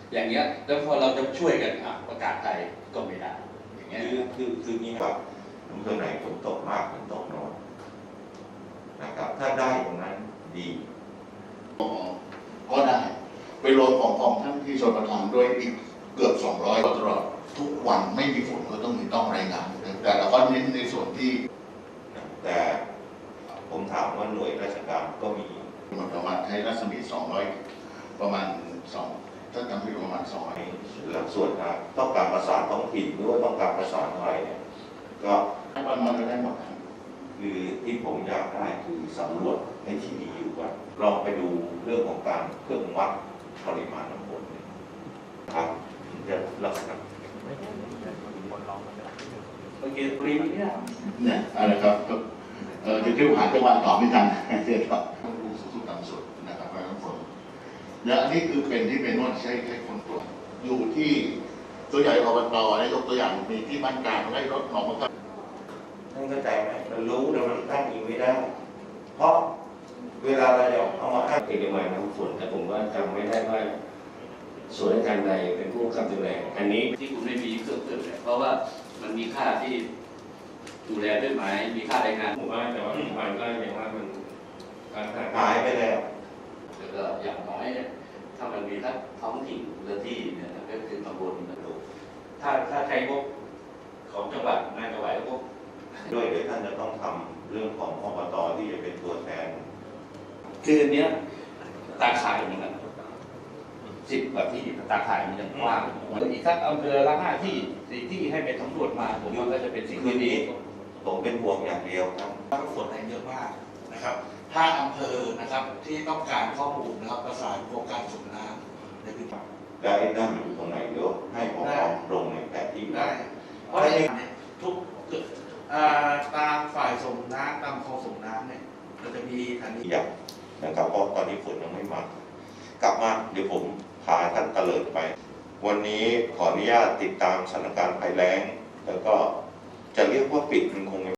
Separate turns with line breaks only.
อย่างเงี้ยแล้วพอเราจะช่วยกันประกาศไทยก็ไม่ได้อย่างเงี้ย
คือนี้ครับอำเภอไหนฝนตกมากฝนตกน้อยนะครับถ้าได้ตรงนั้นดี
ก็ได้ไปโรยของท่านที่ชนประทานด้วยอีกเกือบ200ตลอดทุกวันไม่มีฝนก็ต้องรายงานแต่เราก็เน้นในส่วนที่
แต่ผมถามว่าหน่วยราชการก็มี
ประมาณให้รัศมี200ประมาณ2ถ้าจำไม่ผิดประมาณ200
หลักส่วนต้องการประสานท้องถิ่นหรือว่าต้องการประสานอะไรเนี่ยก็
มันก็ได้หมด
คือที่ผมอยากได้คือสำรวจในที่มีอยู่ก่อนลองไปดูเรื่องของการเครื่องวัดปริมาณน้ำฝนครับจะลักษณะ
โอเคปรีเนี่ย
อะไรครับจะเที่ยวหาจังหวัดตอบไม่ทันเชื่อครับดูสุดต่ำสุดนะครับน้ำฝนและอันนี้คือเป็นที่เป็นนวดใช้คนตรวจอยู่ที่ตัวใหญ่อบตได้ยกตัวอย่างมีที่บ้านกลางได้รถหนองมันก็
ท่านเข้าใจไหมเรารู้แต่มันตั้งยิงไม่ได้เพราะเวลาเราจะเอามาอ้าง
เอกมัยน้ำฝนแต่ผมว่าจำไม่ได้ว่าส่วนราชการใดเป็นผู้กำกับดูแลอันนี้
ที่คุณไม่มีเครื่องเนี่ยเพราะว่ามันมีค่าที่ดูแลด้วยไหมมีค่าแรงงาน
ผมว่าแต่ว่ามันก็ยังว่ามันการ
หายไปแล้ว
แล้วก็อย่างน้อยเนี่ยถ้ามันมีทั้งท้องถิ่นหรือที่เนี่ยก็คือตำบลนะลูกถ้าใช้งบของจังหวัดน่าจะไหวงบ
ด้วยเดี๋ยวท่านจะต้องทำเรื่องของอบตที่จะเป็นตัวแทน
คืออันเนี้ยตาข่ายเหมือนกัน10 กว่าที่ตาข่ายมันยังกว้างอีกสักอำเภอละ5 ที่ 4 ที่ให้ไปสำรวจมาผมว่าก็จะเป็นสิ่งที่ดี
ผมเป็นห่วงอย่างเดียวครับ
ฝนแรงเยอะมากนะครับถ้าอำเภอนะครับที่ต้องการข้อมูลนะครับประสานโครงการสูบน้ำในพื้นที่
ได้นั่งอยู่ตรงไหนเดี๋ยวให้ผมลงในแผนที่
ได้เพราะทุกตามฝ่ายส่งน้ำตามคลองส่งน้ำเนี่ยเราจะมีทันที
อย่างนะครับเพราะตอนนี้ฝนยังไม่มากลับมาเดี๋ยวผมพาท่านเตลิดไปวันนี้ขออนุญาตติดตามสถานการณ์ภัยแล้งแล้วก็จะเรียกว่าปิดมันคง